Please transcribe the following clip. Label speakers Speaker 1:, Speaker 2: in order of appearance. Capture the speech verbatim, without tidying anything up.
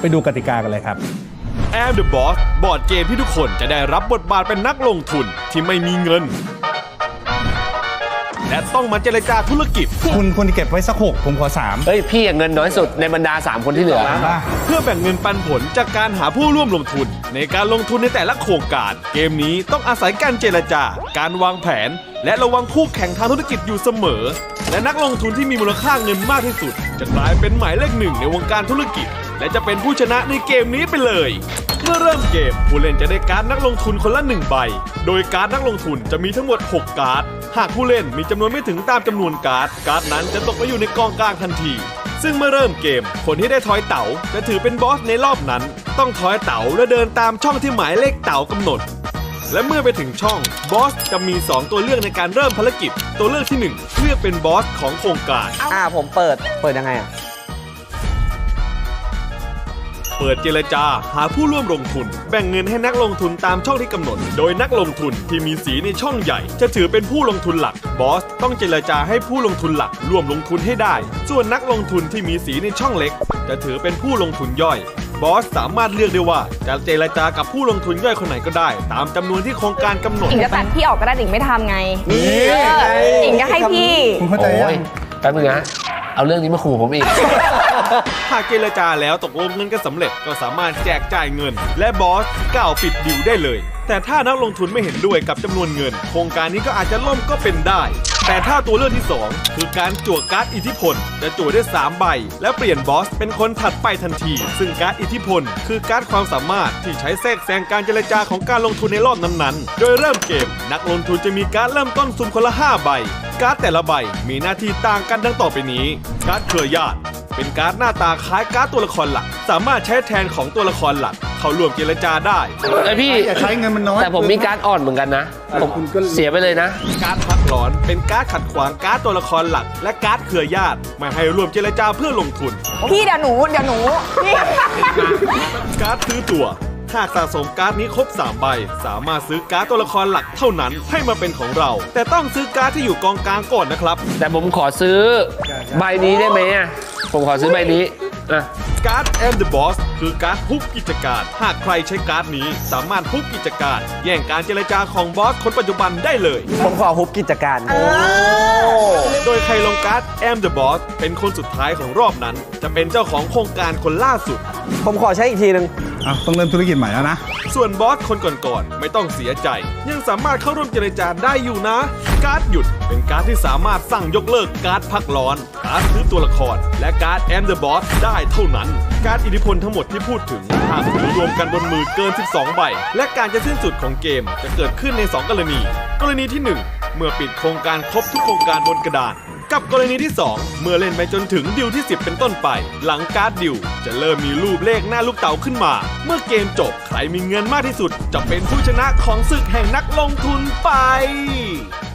Speaker 1: ไปดูกติกากันเลยครับ
Speaker 2: Am the Boss บอร์ดเกมที่ทุกคนจะได้รับบทบาทเป็นนักลงทุนที่ไม่มีเงินและต้องมาเจรจาธุรกิจ
Speaker 1: คุณคุณเก็บไว้สักหกผมขอสาม
Speaker 3: เฮ้ยพี่เงินน้อยสุดในบรรดาสามคนที่เหลือ
Speaker 2: เพื่อแบ่งเงินปันผลจากการหาผู้ร่วมลงทุนในการลงทุนในแต่ละโครงการเกมนี้ต้องอาศัยการเจรจาการวางแผนและระวังคู่แข่งทางธุรกิจอยู่เสมอและนักลงทุนที่มีมูลค่าเงินมากที่สุดจะกลายเป็นหมายเลขหนึ่งในวงการธุรกิจและจะเป็นผู้ชนะในเกมนี้ไปเลยเมื่อเริ่มเกมผู้เล่นจะได้การ์ดนักลงทุนคนละหนึ่งใบโดยการ์ดนักลงทุนจะมีทั้งหมดหกการ์ดหากผู้เล่นมีจำนวนไม่ถึงตามจำนวนการ์ดการ์ดนั้นจะตกไปอยู่ในกองกลางทันทีซึ่งเมื่อเริ่มเกมคนที่ได้ทอยเต๋าจะถือเป็นบอสในรอบนั้นต้องทอยเต๋าและเดินตามช่องที่หมายเลขเต๋ากำหนดและเมื่อไปถึงช่องบอสจะมีสองตัวเลือกในการเริ่มภารกิจตัวเลือกที่หนึ่งเลือกเป็นบอสของโครงการ
Speaker 4: อ่าผมเปิดเปิดยังไงอ่ะ
Speaker 2: เปิดเจรจาหาผู้ร่วมลงทุนแบ่งเงินให้นักลงทุนตามช่องที่กำหนดโดยนักลงทุนที่มีสีในช่องใหญ่จะถือเป็นผู้ลงทุนหลักบอสต้องเจรจาให้ผู้ลงทุนหลักร่วมลงทุนให้ได้ส่วนนักลงทุนที่มีสีในช่องเล็กจะถือเป็นผู้ลงทุนย่อยบอสสามารถเลือกได้ว่าจะเจรจากับผู้ลงทุนย่อยคนไหนก็ได้ตามจำนวนที่โครงการกำหนด
Speaker 5: อิงจะตัดพี่ออกก็ได้อิงไม่ทำไงอิงจะให้พี่
Speaker 1: คุณเข้าใจยัง
Speaker 3: แป๊บนึงนะเอาเรื่องนี้มาขู่ผมอีก
Speaker 2: หากเจรจาแล้วตกลงเงินกันสำเร็จก็สามารถแจกจ่ายเงินและบอสกล่าวปิดดิวได้เลยแต่ถ้านักลงทุนไม่เห็นด้วยกับจำนวนเงินโครงการนี้ก็อาจจะล่มก็เป็นได้แต่ถ้าตัวเลือกที่สองคือการจั่วการ์ดอิทธิพลจะจั่วได้สามใบและเปลี่ยนบอสเป็นคนถัดไปทันทีซึ่งการ์ดอิทธิพลคือการ์ดความสามารถที่ใช้แทรกแซงการเจรจาของการลงทุนในรอบนั้นๆโดยเริ่มเกมนักลงทุนจะมีการ์ดเริ่มต้นสุ่มคนละห้าใบการ์ดแต่ละใบมีหน้าที่ต่างกันดังต่อไปนี้การ์ดเครือญาติเป็นการ์ดหน้าตาคล้ายการ์ดตัวละครหลักสามารถใช้แทนของตัวละครหลักเข้าร่วมเจรจาได้
Speaker 3: ไอพี่
Speaker 1: อย่าใช้เงินมันน้อย
Speaker 3: แต่ผมมีการ์ดอ่อนเหมือนกันนะผมเสียไปเลยนะ
Speaker 2: การ์ดพักร้อนเป็นการ์ดขัดขวางการ์ดตัวละครหลักและการ์ดเครือญาติไม่ให้ร่วมเจรจาเพื่อลงทุน
Speaker 5: พี่เดี๋ยวหนูเดี๋ยวหนู
Speaker 2: การ์ดซื้อตัวหากสะสมการ์ดนี้ครบสามใบสามารถซื้อการ์ดตัวละครหลักเท่านั้นให้มาเป็นของเราแต่ต้องซื้อการ์ดที่อยู่กองกลางก่อนนะครับ
Speaker 3: แต่ผมขอซื้อใบนี้ได้ไหมอ่ะผมขอซื้อใบนี้อ่ะ
Speaker 2: การ์ด Am the Boss คือการ์ดฮุบกิจการหากใครใช้การ์ดนี้สามารถฮุบกิจการแย่งการเจรจาของบอสคนปัจจุบันได้เลย
Speaker 4: ผมขอฮุบกิจการ
Speaker 2: โดยใครลงการ์ด Am the Boss เป็นคนสุดท้ายของรอบนั้นจะเป็นเจ้าของโครงการคนล่าสุด
Speaker 4: ผมขอใช้อีกทีนึง
Speaker 1: อ่ะต้องเริ่มธุรกิจใหม่แล้วนะ
Speaker 2: ส่วนบอสคนก่อนๆไม่ต้องเสียใจยังสามารถเข้าร่วมเจรจาได้อยู่นะการ์ดหยุดเป็นการ์ดที่สามารถสั่งยกเลิกการ์ดพักร้อนการ์ดซื้อตัวละครและการ์ด Am the Boss ได้เท่านั้นการ์ดอิทธิพลทั้งหมดที่พูดถึงหากถือรวมกันบนมือเกินสิบสองใบและการจะสิ้นสุดของเกมจะเกิดขึ้นในสองกรณีกรณีที่หนึ่งเมื่อปิดโครงการครบทุกโครงการบนกระดานกับกรณีที่สองเมื่อเล่นไปจนถึงดิวที่สิบเป็นต้นไปหลังการ์ดดิวจะเริ่มมีรูปเลขหน้าลูกเต๋าขึ้นมาเมื่อเกมจบใครมีเงินมากที่สุดจะเป็นผู้ชนะของศึกแห่งนักลงทุนไป